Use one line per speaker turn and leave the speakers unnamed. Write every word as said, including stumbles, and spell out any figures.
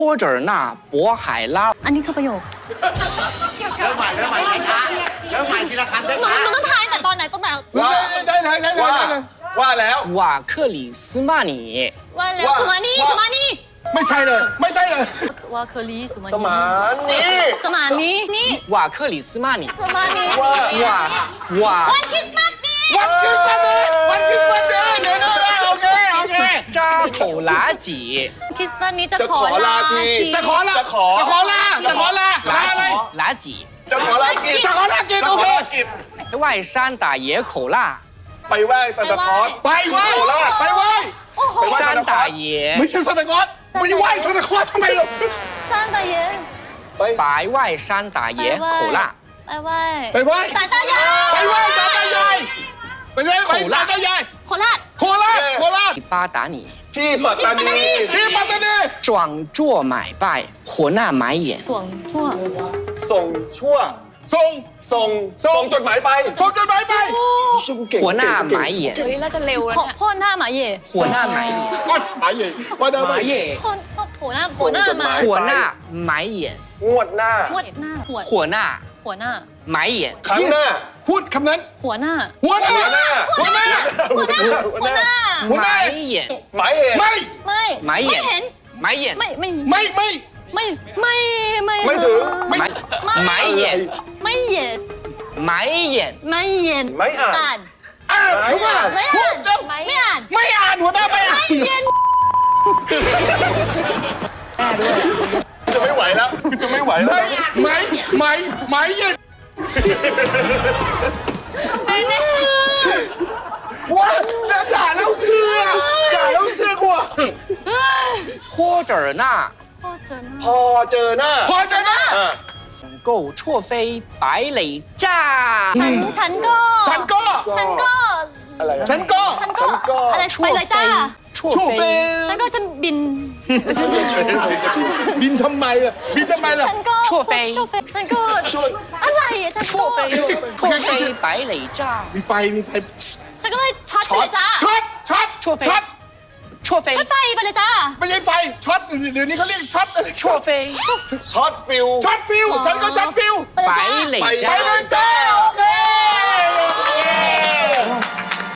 或者那渤海拉
อันนี้คือประโยค
เริ่มใหม่เริ่มใหม่ช้าๆเริ่มใหม่ทีละคำ
หนู
ช้า
หนูต้องทายแต่ตอนไหนตอนไหน
ได้ได้ได้ได้
ว่า
ได้เลย
ว่าแล้ว
瓦克里斯曼尼
ว่าแล้ว
ว่า
สุมานี
ว่า
สุมานี
ไม่ใช่เลย ไม่ใช่เลย
ว่าเคอรีสุมานี
สมานนี้
สมานีนี่
瓦克里斯曼尼
สุมานี
ว่า
瓦瓦
วันคริสต์มาสนี่
วันคริสต์มาสเนี่ยวันคริสต์มาสเนี่ยเดี๋ยวนะโอเคโอเค
扎口拉几
คริสต์มาสนี้จะ
จะ
ข
ข
อ
อ
ลา
ลาที
จะขอลา
จะขอ
จะขอลาจะขอลาลาอะไร
拉几
จะขอลากิจ
จะขอลากิจ
จะ
โอ
ข
เค
อลากิจ
外山打野口辣
ไปไหว้ซันตาคลอส
ไปไหว้
โคราช
ไปไหว้
โอ้โห
ไปไหว้
山打野
ไม่ใช่ซานตาคลอสไม่ไหว้ซานตาคลอสทำไมหรอ
ซานตาเย่
ไป
白外山打野口辣
ไปไหว้
ไปไหว้
สายตายาย
ไปไหว้ซานตายายไปไหว้ไปซานตายาย
โคราช
โคราชโคราช
巴达你
ที่ปัตตานี
ที่ปัตตานี
壮作买拜火那买眼
สวงทั่ว
ส่งชั่ว
ส่ง
ส่ง
ส่ง
ส่งจดหมายไป
ส่งจดหมายไป
火那买眼
เฮ้ยเราจะเร็วแล้วพ่อหน้าหมาเย่
火那买眼
ก้อนหมายใหญ่ว่าเดิม
买眼
พ่อพ่อหัวหน้าหัวหน้ามา
火那买眼
งวดหน้า
หัวหน้าหัว
火那
หัวหน้า
买眼
ครั้งหน้า
พูดคำนั้น
หัวหน้า
หัวหน้า
หัวหน้า
หัวหน้า
หัวหน้า
หัวหน้า
买眼
หมายเหตุ
ไม่
ไม่
买
ไม่
眼
เห็น
买眼
ไม่ไม่
ไม่ไม่
ไม่ไม่ไม่
ไม่ถึง
ไม่
买眼
ไม่เย็น
买眼
ไม่เย็น
ไม่อ่าน
อ่าน
อ่านเขาว่า
ไม่
พู
อ่า
ด
น
แล้ว
ไม่อ่าน
ไม่อ่านหัวหน้าไม่อ่าน
ไม่เย็น
จะไม่ไหวแล้วจะไม่ไหวแล้ว
ไม่ไม่ไม่ไม่เย็นว้าด่าแล้วเสื้อด่าแล้วเสื้อกลัว
或者那
พ่อเจอหน้า
พอเจอหน้า
พอใจนะ
อ่ะ
够错飞白垒炸
ฉันฉันก็
ฉันก็
ฉันก็
อะไรอะ
ฉันก็
ฉันก็อะไรไปเลยจ้า
错
ชั่วเฟ
飞
ฉันก็ฉันบิน
บินทำไมล่ะบินทำไมล่ะ
ฉันก็
ชั่วเฟย
ชั่วเฟยฉันก็อะไรอะฉัน
错
ก็
飞错飞白垒炸
มีไฟมีไฟ
ฉันก็เลยช็อตไปเลยจ้า
ช็อตช็อต
ชั่วเฟย
ช็อต
错飞
ช็อตไฟไปเลยจ้า
ไม่ใช่ไฟช็อตเดี๋ยวนี้เขาเรียกช็อตอะไร
错飞
ช็อตฟิล
ช็อตฟิวฉันก็ช็อตฟิว
白
ไปเลยจ้า
垒
ไป
炸
เลยจ้าโอเค